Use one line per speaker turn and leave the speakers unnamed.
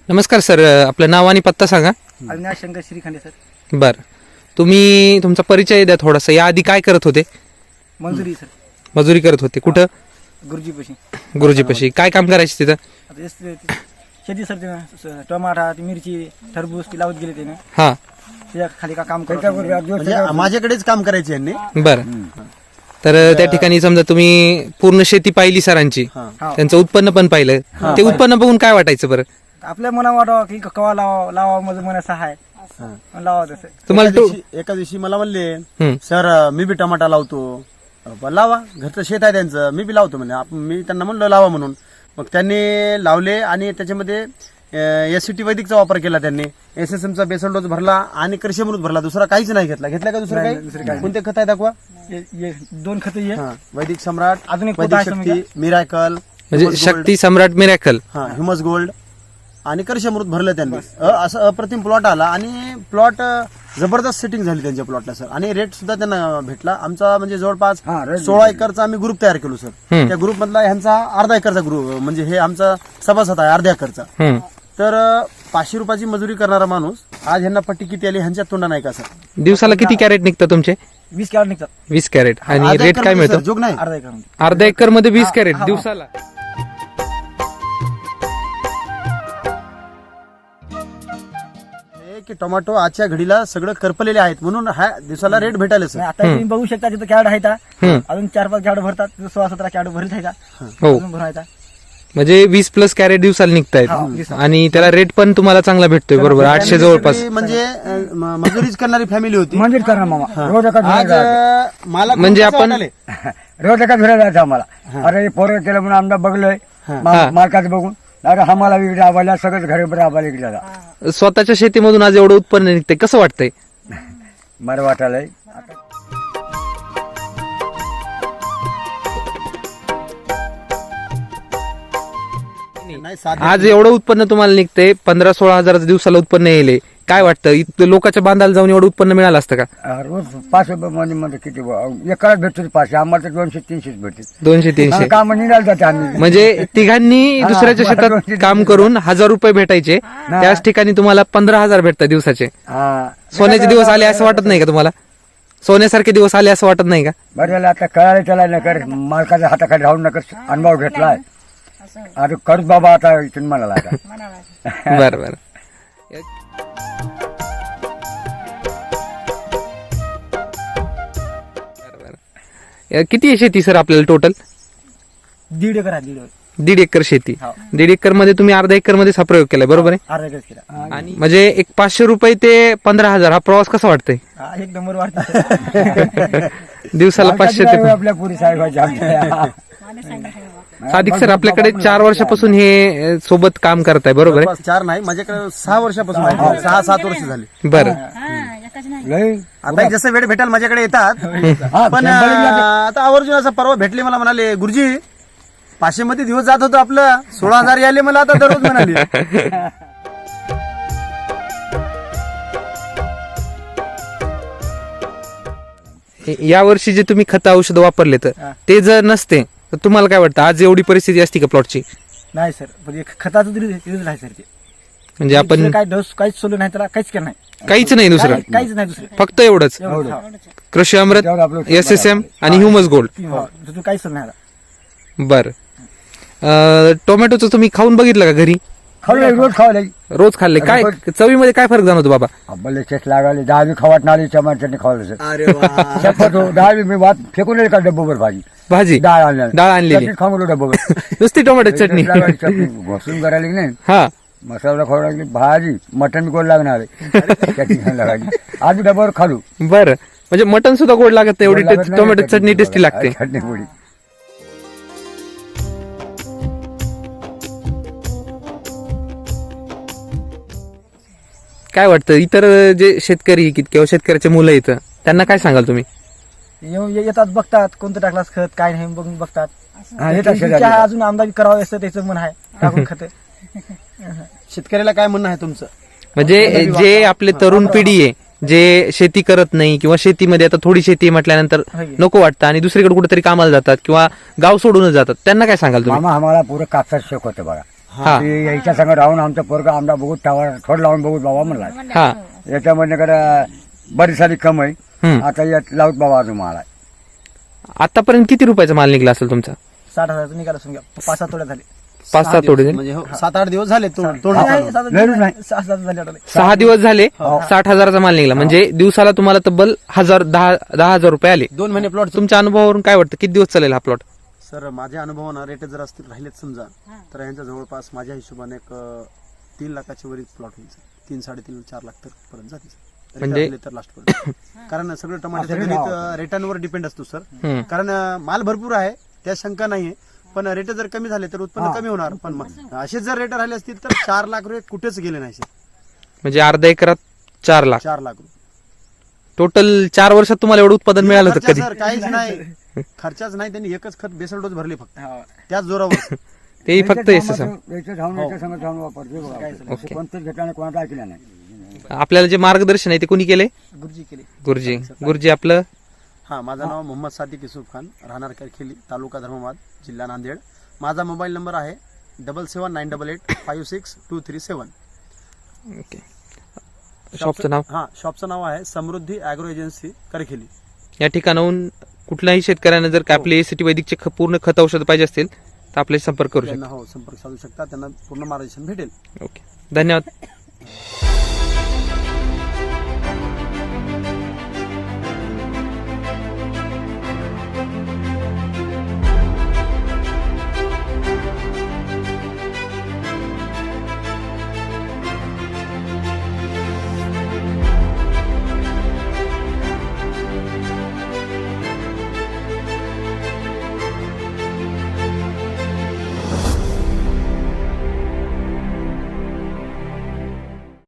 नमस्कार सर, आपलं नाव आणि पत्ता सांगा.
अविनाश शंकर श्रीखंडे सर.
बरं, तुम्ही तुमचा परिचय द्या थोडासा. याआधी काय करत होते?
मंजुरी सर.
मजुरी करत होते. कुठं?
गुरुजीपाशी.
गुरुजीपाशी. काय काम करायचे तिथं?
आता शेती सर ते टमाटा ती मिरची टरबूज ती लावत गेले त्याने.
हा,
त्याच्या खाली का काम करत
म्हणजे माझ्याकडेच काम करायचे यांनी.
बरं. तर त्या ठिकाणी समजा तुम्ही पूर्ण शेती पाहिली सरांची, त्यांचं उत्पन्न पण पाहिलं. ते उत्पन्न बघून काय वाटायचं बरं?
आपल्या मना वाटावं की कवा लावा माझं मन असं आहे लावा तसं.
तुम्हाला
एका दिवशी मला म्हणले, सर मी बी टमाटा लावतो. लावा, घरचं शेत आहे त्यांचं, मी बी लावतो म्हणे. मी त्यांना म्हणलं लावा म्हणून. मग त्यांनी लावले आणि त्याच्यामध्ये SCT वैदिकचा वापर केला त्यांनी. SSM चा बेसल डोस भरला आणि कृषी अमृत भरला. दुसरा काहीच नाही घेतला. घेतला का दुसरं काही? कोणते खत आहे दाखवा.
दोन खत
वैदिक सम्राट,
अजून एक
वैदिक शक्ती, मिराकल,
म्हणजे Shakti Samrat miracle,
humus gold आणि कृषी अमृत भरलं त्यांनी. असं अप्रतिम प्लॉट आला आणि प्लॉट जबरदस्त सेटिंग झाली त्यांच्या प्लॉटला सर. आणि रेट सुद्धा त्यांना भेटला. आमचा म्हणजे जवळपास 16 एकरचा आम्ही ग्रुप तयार केलो सर. त्या ग्रुप मधला ह्यांचा अर्धा एकरचा ग्रुप, म्हणजे हे आमचा सभासद आहे अर्ध्या एकरचा. तर 500 रुपयाची मजुरी करणारा माणूस आज ह्यांना पट्टी किती आली ह्यांच्या तोंडा नाही का सर?
दिवसाला किती कॅरेट निघतात तुमचे?
20 कॅरेट निघतात.
20 कॅरेट. आणि
अर्धा
रेट काय
एकरमध्ये
मिळतो?
सर, जोग नाही.
अर्धा एकर
अर्धा एकर मध्ये 20 कॅरेट दिवसाला.
की टोमॅटो आजच्या घडीला सगळं करपलेले आहेत म्हणून हा दिवसाला रेट भेटायला सर.
आता तुम्ही बघू शकता तिथं कॅरेट आहे. अजून 4-5 कॅरेट भरतात. 16-17 कॅरेट भरत आहे का?
हो,
अजून भरायचा.
म्हणजे 20+ कॅरेट दिवसाला निघतायत. आणि त्याला रेट पण तुम्हाला चांगला भेटतोय. बरोबर, 800 जवळपास.
म्हणजे मजुरीच करणारी फॅमिली होती.
मंदिर करा मामा रोज एका
आज मला
म्हणजे आपण
रोज एका फिरायला जायचं आम्हाला. अरे पोरं केलं म्हणून आमदा बघलोय मार्कात बघून. अरे आम्हाला इकडे आवायला सगळंच घरी बरं आम्हाला इकडे जाता.
स्वतःच्या शेतीमधून आज एवढं उत्पन्न निघतंय, कसं वाटतंय?
बरं वाटायलंय.
नाही साधे
आज एवढं उत्पन्न तुम्हाला निघतंय. 15-16 हजाराचं दिवसाला उत्पन्न येईल. काय वाटतं, इथं लोकांच्या बांधाला जाऊन एवढं उत्पन्न मिळालं असतं का?
रोज 5 रुपये मध्ये किती एकाच भेटतो 500. आम्हाला तर 200-300 भेटते.
200-300.
काम निघाल जाते आम्ही.
म्हणजे तिघांनी दुसऱ्याच्या शेतात काम करून 1000 रुपये भेटायचे, त्याच ठिकाणी तुम्हाला 15,000 भेटतात दिवसाचे. सोन्याचे दिवस आले असं वाटत नाही का तुम्हाला? सोन्यासारखे दिवस आले असं वाटत नाही का?
बरं झालं आता कळायला त्याला नकर मालकाच्या हाताखाली राहून नकर अनुभव घेतलाय. आता करत बाबा आता इथून म्हणाला आता.
बरं बरं. किती आहे शेती सर आपल्याला टोटल?
1.5 एकर आहे.
1.5 एकर शेती. 1.5 एकर मध्ये तुम्ही अर्धा एकर मध्ये हा प्रयोग केलाय, बरोबर आहे?
अर्धा एकर केला.
आणि म्हणजे एक 500 रुपये ते 15,000 हा प्रवास कसा वाटतंय?
एक नंबर वाटतं.
दिवसाला 500 ते
आपल्या पुरी साहेबांच्या
सादिक सर, आपल्याकडे 4 वर्षापासून हे सोबत काम करताय, बरोबर आहे?
4 नाही, माझ्याकडे 6 वर्षापासून आहे. 6-7 वर्ष झाली.
बरं.
आता जसं वेळ भेटाल माझ्याकडे येतात. पण आता आवर्जून असं परवा भेटले, मला म्हणाले गुरुजी 500 मध्ये दिवस जात होतो आपलं, 16,000 आले मला आता दररोज म्हणाले.
या वर्षी जे तुम्ही खत औषध वापरले तर ते जर नसते तर तुम्हाला काय वाटतं, आज एवढी परिस्थिती असती का प्लॉटची?
नाही सर, म्हणजे खताचं रिझल्ट आहे सर ते.
म्हणजे आपण
दुसरं काय डोस काहीच सोडलं नाही त्याला, काहीच केलं नाही.
काहीच नाही दुसरं,
काहीच नाही दुसरं,
फक्त एवढंच.
एवढं.
कृषी अमृत, SSM आणि ह्युमस गोल्ड.
दुसरं काहीच नाही.
बर. टोमॅटोचं तुम्ही खाऊन बघितलं का घरी?
खाऊ रोज खावले.
रोज खाल्ले. काय चवीमध्ये काय फरक जाणवतो बाबा?
अब्बाले चेस्ट लागले. 10 खवाट नाली चमाट्याने खावलं सर.
अरे वा.
शपथ हो, 10 मी वाट फेकून का डब्बोवर भाजी डाळ
आणलेली
खाऊ डब्बोवर.
नुसती टोमॅटो चटणी
घोसून करायला की नाही.
हा,
मसाला खाऊ लागली, भाजी मटन गोड लागणार आहे. चटणी खायला लागली. आज डब्यावर खालू.
बरं. म्हणजे मटन सुद्धा गोड लागत नाही, एवढी टोमॅटो चटणी टेस्टी लागते.
चटणी गोडी.
काय वाटतं, इतर जे शेतकरी किंवा शेतकऱ्याचे मुलं येतं त्यांना काय सांगाल तुम्ही?
येतात, बघतात कोणतं टाकलास खत काय नाही बघून बघतात.
येतात शेजारी.
अजून आमदारी करावं असं त्याचं मन आहे, टाकून खत.
शेतकऱ्याला काय म्हणणं आहे तुमचं?
म्हणजे जे आपले तरुण पिढी आहे, जे शेती करत नाही किंवा शेतीमध्ये आता थोडी शेती म्हटल्यानंतर नको वाटतं आणि दुसरीकडे कुठेतरी कामाला जातात किंवा गाव सोडूनच जातात, त्यांना काय सांगाल तुम्ही?
मामा आम्हाला पुरं कापसात शेक होतं बघा. की याच्या संग राहून आमचं पोरगा आमदा बघू थोडं लावून बघू बाबा म्हणला
हा
याच्यामध्ये कडे बरी सारी कमाई
हम्म.
आता यात लावत बाबा अजून मला
आतापर्यंत किती रुपयाचा माल निघला असेल तुमचा?
60,000 निघाला असून घ्या 5-7 तोड्या झाले
5-7 तोडे झाले.
म्हणजे 7-8 दिवस झाले तोडणं
नाही,
चालू.
लयच नाही.
6-7 झाले वाटले.
6 दिवस झाले 60,000चा माल निघला म्हणजे दिवसाला तुम्हाला तब्बल 10,000 रुपये आले.
2 महिने प्लॉट.
तुमच्या अनुभवावरून काय वाटतं किती दिवस चालेल हा प्लॉट?
सर माझ्या अनुभवानं रेट जर असतील राहिलेत समजा तर यांच्या जवळपास माझ्या हिशोबाने एक 3 लाखाच्या वरील प्लॉट होईल सर. 3-3.5-4 लाख तर पर्यंत जाते सर.
म्हणजे-
राहिले तर लास्ट पर्यंत. कारण सगळं टमाट्याचं गणित रेटांवर डिपेंड असतो सर. कारण माल भरपूर आहे त्या शंका नाहीये पण रेट जर कमी झाले तर उत्पन्न कमी होणार. पण असेच जर रेट राहिले असतील तर 4 लाख रुपये कुठेच गेले नाही सर.
म्हणजे अर्धा एकरात 4 लाख
4 लाख रुपये
टोटल 4 वर्षात तुम्हाला एवढं उत्पादन मिळालं होतं
खर्चा
कधी?
सर काहीच नाही. खर्चाच नाही. त्यांनी एकच खत बेसल डोस भरले फक्त त्याच जोरावर.
तेही फक्त एस
याच्या धावून याच्या संग धावून वापरते बघा. असं कोणत्याच घटना कोणाला ऐकलं नाही.
आपल्याला जे मार्गदर्शन आहे ते कोणी केले?
गुरुजी केले.
गुरुजी आपलं
हा माझं नाव मोहम्मद सादिक युसुफ खान राहणार करखेली तालुका धर्माबाद जिल्हा नांदेड. माझा मोबाईल नंबर आहे 7798856237.
ओके. शॉपचं नाव?
हा शॉपचं नाव आहे समृद्धी ॲग्रो एजन्सी करखेली.
या ठिकाणाहून कुठल्याही शेतकऱ्यांना जर का आपले एसीटी वैदिकचे पूर्ण खत औषध पाहिजे असतील तर आपल्याशी संपर्क करू
त्यांना हो संपर्क साधू शकता. त्यांना पूर्ण मार्गदर्शन भेटेल.
शकता. ओके, धन्यवाद.